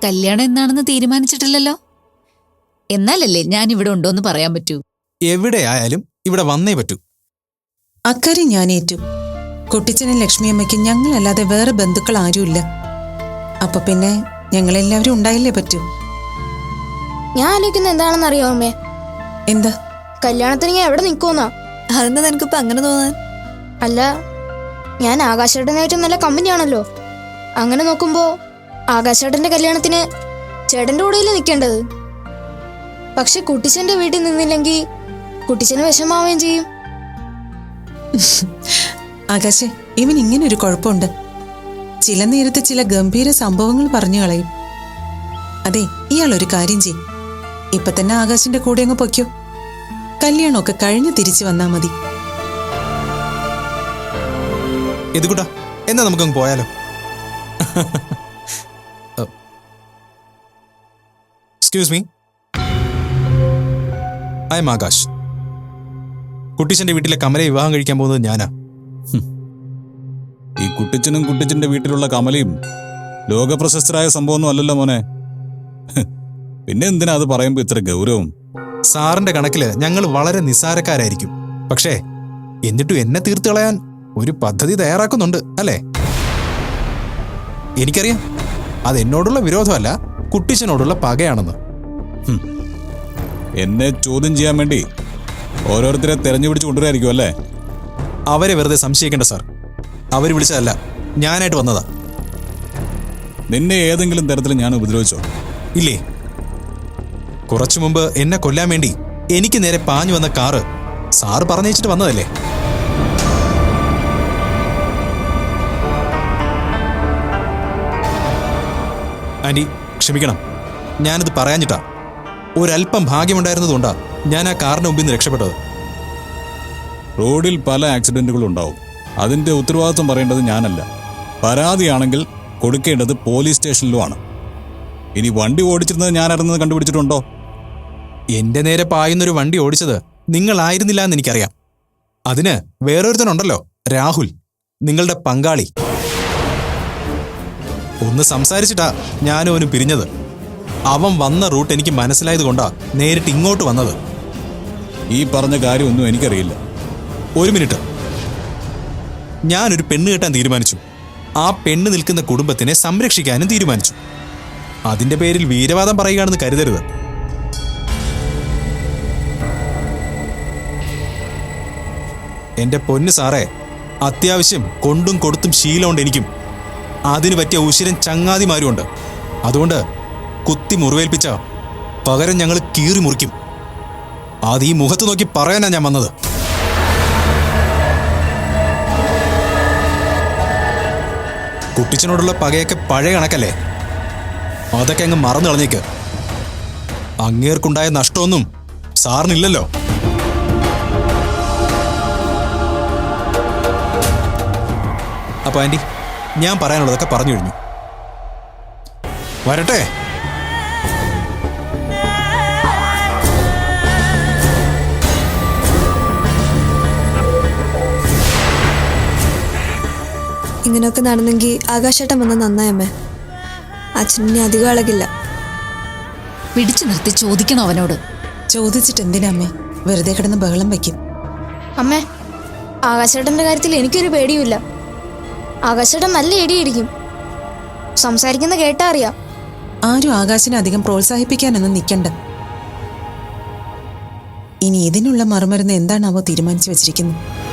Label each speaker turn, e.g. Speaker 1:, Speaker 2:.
Speaker 1: കല്യാണം എന്നാണെന്ന് തീരുമാനിച്ചിട്ടില്ലല്ലോ. എന്നാലല്ലേ ഞാൻ ഇവിടെ ഉണ്ടോന്ന് പറയാൻ പറ്റൂ.
Speaker 2: എവിടെയായാലും ഇവിടെ വന്നേ പറ്റൂ.
Speaker 3: അക്കാര്യം ഞാൻ ഏറ്റു. കുട്ടിച്ചനും ലക്ഷ്മിയമ്മയ്ക്കും ഞങ്ങളല്ലാതെ വേറെ ബന്ധുക്കൾ ആരുമില്ല. അപ്പൊ പിന്നെ ഞങ്ങളെല്ലാവരും ഉണ്ടായില്ലേ പറ്റൂ.
Speaker 4: ഞാൻ ആലോചിക്കുന്ന എന്താണെന്ന് അറിയാമോ അമ്മേ?
Speaker 3: എന്താ?
Speaker 4: കല്യാണത്തിന് ഞാൻ എവിടെ നിൽക്കുമെന്നാ.
Speaker 1: അതെന്താ നിനക്കിപ്പോ അങ്ങനെ തോന്നാൻ?
Speaker 4: അല്ല, ഞാൻ ആകാശേട്ടനായിട്ട് നല്ല കമ്പനിയാണല്ലോ. അങ്ങനെ നോക്കുമ്പോ ആകാശേട്ടന്റെ കല്യാണത്തിന് ചേട്ടന്റെ കൂടെയല്ലേ നിൽക്കേണ്ടത്. പക്ഷെ കുട്ടിച്ചന്റെ വീട്ടിൽ നിന്നില്ലെങ്കിൽ കുട്ടിച്ചന് വിഷമാവുകയും ചെയ്യും.
Speaker 3: ആകാശേ, ഇവൻ ഇങ്ങനൊരു കുഴപ്പമുണ്ട്. ചില നേരത്തെ ചില ഗംഭീര സംഭവങ്ങൾ പറഞ്ഞു കളയും. അതെ, ഇയാളൊരു കാര്യം ചെയ്യും. ഇപ്പൊ തന്നെ ആകാശിന്റെ കൂടെ അങ്ങ് പൊയ്ക്കോ. കല്യാണമൊക്കെ കഴിഞ്ഞ് തിരിച്ചു വന്നാ മതി.
Speaker 2: ഇതുകൂട്ടാ, എന്നാ നമുക്കങ്ങ് പോയാലോ? Excuse me, I am Akash. കുട്ടിച്ചന്റെ വീട്ടിലെ കമലയെ വിവാഹം കഴിക്കാൻ പോകുന്നത് ഞാനാ.
Speaker 5: ഈ കുട്ടിച്ചനും കുട്ടിച്ചന്റെ വീട്ടിലുള്ള കമലയും ലോകപ്രശസ്തരായ സംഭവമൊന്നും അല്ലല്ലോ മോനെ. പിന്നെ എന്തിനാ അത് പറയുമ്പോ ഇത്ര ഗൗരവം?
Speaker 2: സാറിന്റെ കണക്കില് ഞങ്ങൾ വളരെ നിസ്സാരക്കാരായിരിക്കും. പക്ഷേ എന്നിട്ടും എന്നെ തീർത്തു കളയാൻ ഒരു പദ്ധതി തയ്യാറാക്കുന്നുണ്ട് അല്ലേ? എനിക്കറിയാം, അത് എന്നോടുള്ള വിരോധമല്ല, കുട്ടിച്ചനോടുള്ള പകയാണെന്ന്.
Speaker 5: എന്നെ ചോദ്യം ചെയ്യാൻ വേണ്ടി ഓരോരുത്തരെ തെരഞ്ഞു പിടിച്ച് കൊണ്ടുവരായിരിക്കും അല്ലേ?
Speaker 2: അവരെ വെറുതെ സംശയിക്കേണ്ട സാർ. അവർ വിളിച്ചതല്ല, ഞാനായിട്ട് വന്നതാ.
Speaker 5: നിന്നെ ഏതെങ്കിലും തരത്തിൽ ഞാൻ ഉപദ്രവിച്ചോ?
Speaker 2: ഇല്ലേ. കുറച്ചു മുമ്പ് എന്നെ കൊല്ലാൻ വേണ്ടി എനിക്ക് നേരെ പാഞ്ഞു വന്ന കാറ് സാറ് പറഞ്ഞയച്ചിട്ട് വന്നതല്ലേ? ആന്റി ക്ഷമിക്കണം, ഞാനത് പറയാഞ്ഞിട്ടാ. ഒരല്പം ഭാഗ്യമുണ്ടായിരുന്നതുകൊണ്ടാ ഞാൻ ആ കാറിന് മുമ്പിൽ നിന്ന് രക്ഷപ്പെട്ടത്.
Speaker 5: റോഡിൽ പല ആക്സിഡന്റുകളും ഉണ്ടാവും. അതിന്റെ ഉത്തരവാദിത്വം പറയേണ്ടത് ഞാനല്ല. പരാതിയാണെങ്കിൽ കൊടുക്കേണ്ടത് പോലീസ് സ്റ്റേഷനിലുമാണ്. ഇനി വണ്ടി ഓടിച്ചിരുന്നത് ഞാനായിരുന്നത് കണ്ടുപിടിച്ചിട്ടുണ്ടോ?
Speaker 2: എന്റെ നേരെ പായുന്നൊരു വണ്ടി ഓടിച്ചത് നിങ്ങളായിരുന്നില്ല എന്ന് എനിക്കറിയാം. അതിന് വേറൊരുത്തനുണ്ടല്ലോ, രാഹുൽ, നിങ്ങളുടെ പങ്കാളി. ഒന്ന് സംസാരിച്ചിട്ടാ ഞാനും അവനും പിരിഞ്ഞത്. അവൻ വന്ന റൂട്ട് എനിക്ക് മനസ്സിലായത് കൊണ്ടാ നേരിട്ട് ഇങ്ങോട്ട് വന്നത്.
Speaker 5: ഈ പറഞ്ഞ കാര്യമൊന്നും എനിക്കറിയില്ല.
Speaker 2: ഒരു മിനിറ്റ്. ഞാനൊരു പെണ്ണ് കെട്ടാൻ തീരുമാനിച്ചു. ആ പെണ്ണ് നിൽക്കുന്ന കുടുംബത്തിനെ സംരക്ഷിക്കാനും തീരുമാനിച്ചു. അതിന്റെ പേരിൽ വീരവാദം പറയുകയാണെന്ന് കരുതരുത്. എന്റെ പൊന്നു സാറേ, അത്യാവശ്യം കൊണ്ടും കൊടുത്തും ശീലമുണ്ട് എനിക്കും. അതിന് പറ്റിയ ഉശിരൻ ചങ്ങാതിമാരുമുണ്ട്. അതുകൊണ്ട് കുത്തി മുറിവേൽപ്പിച്ച പകരം ഞങ്ങൾ കീറി മുറിക്കും. അത് ഈ മുഖത്ത് നോക്കി പറയാനാ ഞാൻ വന്നത്. കുട്ടിച്ചനോടുള്ള പകയൊക്കെ പഴയ കണക്കല്ലേ? അതൊക്കെ അങ്ങ് മറന്നു കളഞ്ഞേക്ക്. അങ്ങേർക്കുണ്ടായ നഷ്ടമൊന്നും സാറിനില്ലല്ലോ. അപ്പൊ ആന്റി, ഞാൻ പറയാനുള്ളതൊക്കെ പറഞ്ഞു കഴിഞ്ഞു. വരട്ടെ.
Speaker 6: ഇങ്ങനെയൊക്കെ നടന്നെങ്കിൽ ആകാശേട്ടൻ വന്ന് നന്നായമ്മേ. അച്ഛനെ അധികം അളകില്ല.
Speaker 1: പിടിച്ചു നിർത്തി ചോദിക്കണോ അവനോട്?
Speaker 3: ചോദിച്ചിട്ട് എന്തിനാ അമ്മേ? വെറുതെ കിടന്ന് ബഹളം വയ്ക്കും.
Speaker 4: അമ്മേ, ആകാശേട്ടന്റെ കാര്യത്തിൽ എനിക്കൊരു പേടിയുമില്ല. ആകാശേട്ടൻ നല്ല ഇടിയിടിക്കും. സംസാരിക്കുന്ന കേട്ടാ അറിയാം.
Speaker 3: ആരും ആകാശിനെ അധികം പ്രോത്സാഹിപ്പിക്കാനൊന്നും നിൽക്കണ്ട. ഇനി ഇതിനുള്ള മറുമരുന്ന് എന്താണാവോ തീരുമാനിച്ചു വെച്ചിരിക്കുന്നത്.